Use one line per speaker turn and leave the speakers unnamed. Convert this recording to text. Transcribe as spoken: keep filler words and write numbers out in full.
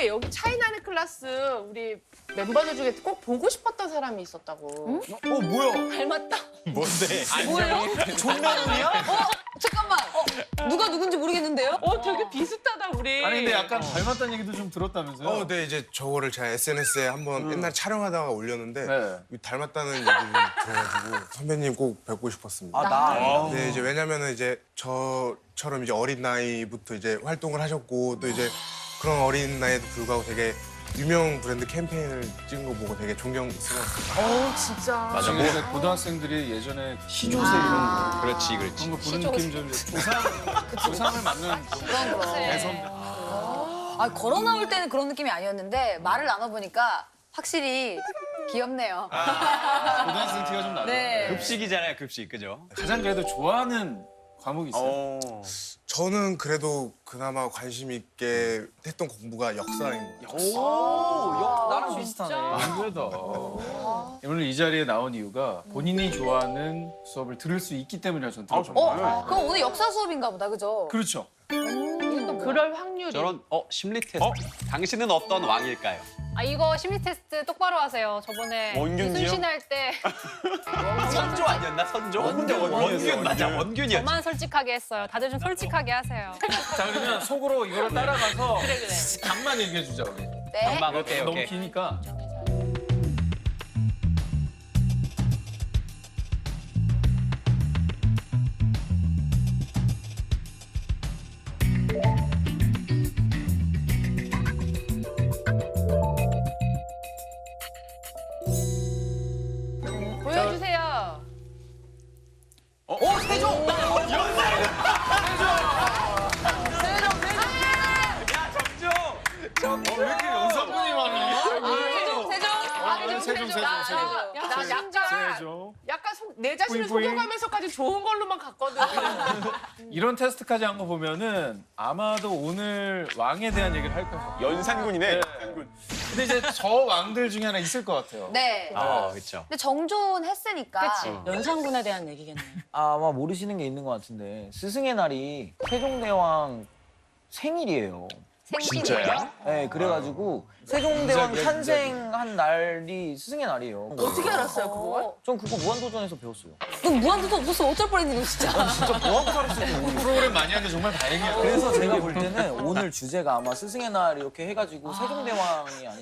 우리 여기 차이나는 클래스 우리 멤버들 중에 꼭 보고 싶었던 사람이 있었다고.
어 뭐야?
닮았다.
뭔데?
뭐예요?
존나눈이야?
어, 잠깐만. 어, 누가 누군지 모르겠는데요?
어, 되게 비슷하다 우리.
아니 근데 약간 닮았다는 얘기도 좀 들었다면서요?
어, 네, 이제 저거를 제가 에스엔에스에 한번 옛날 촬영하다가 올렸는데
네.
닮았다는 얘기 좀 들어가지고 선배님 꼭 뵙고 싶었습니다.
아 나?
네, 이제 왜냐면은 이제 저처럼 이제 어린 나이부터 이제 활동을 하셨고 또 이제 그런 어린 나이에도 불구하고 되게 유명 브랜드 캠페인을 찍은 거 보고 되게 존경스러웠어요.
어, 진짜.
맞아. 뭐 고등학생들이 예전에 시조새 이런 거
그렇지, 그렇지.
그런 거 보는 느낌 좀 조상 조상을 맞는 좀
그런 거.
대선.
아, 걸어 나올 때는 그런 느낌이 아니었는데 말을 나눠보니까 확실히 귀엽네요.
고등학생 티가 좀 나죠.
네.
급식이잖아요, 급식, 그죠?
가장 그래도 좋아하는 과목이 있어요.
어.
저는 그래도 그나마 관심 있게 했던 공부가 역사인 것 같아요.
오,
나랑
비슷하네. 안 그래도. 오늘 이 자리에 나온 이유가 본인이 좋아하는 수업을 들을 수 있기 때문이라 저는 들었죠.
어, 그럼 오늘 역사 수업인가 보다, 그죠?
그렇죠.
그럴 확률이.
저런, 어, 심리 테스트. 당신은 어떤 왕일까요?
아 이거 심리 테스트 똑바로 하세요. 저번에
원균이요?
이순신 할 때
선조 아니었나, 선조? 원균, 원균, 맞아, 원균이었지.
저만 솔직하게 했어요. 다들 좀 솔직하게 하세요.
자 그러면 속으로 이거를 따라가서
그래, 그래.
답만 얘기해 주자 우리.
네.
금방, 오케이,
너무
오케이.
기니까.
보여주세요.
어 세종. 어, 왜 이렇게 연사분이 많아?
세종, 세종. 아,
세종, 세종, 세종, 세종.
나 약간,
세종.
약간 속, 내 자신을
뿌잉뿌잉.
속여가면서까지 좋은 걸로만 갔거든.
이런 테스트까지 한 거 보면은 아마도 오늘 왕에 대한 얘기를 할 거예요.
연산군이네.
근데 이제 저 왕들 중에 하나 있을 것 같아요.
네.
아, 그렇죠.
근데 정존 했으니까.
그치. 연산군에 대한 얘기겠네.
아, 아마 모르시는 게 있는 것 같은데 스승의 날이 세종대왕 생일이에요.
진짜야?
네, 그래가지고 세종대왕 탄생한 날이 스승의 날이에요.
어떻게 알았어요, 그걸?
전 그거 무한도전에서 배웠어요.
넌 무한도도 없었어. 어쩔 뻔했니, 너 진짜.
진짜 뭐하고 살았을지 모르겠어요.
프로그램 많이 하는데 정말 다행이에요.
그래서 제가 볼 때는 오늘 주제가 아마 스승의 날 이렇게 해가지고 세종대왕이 아니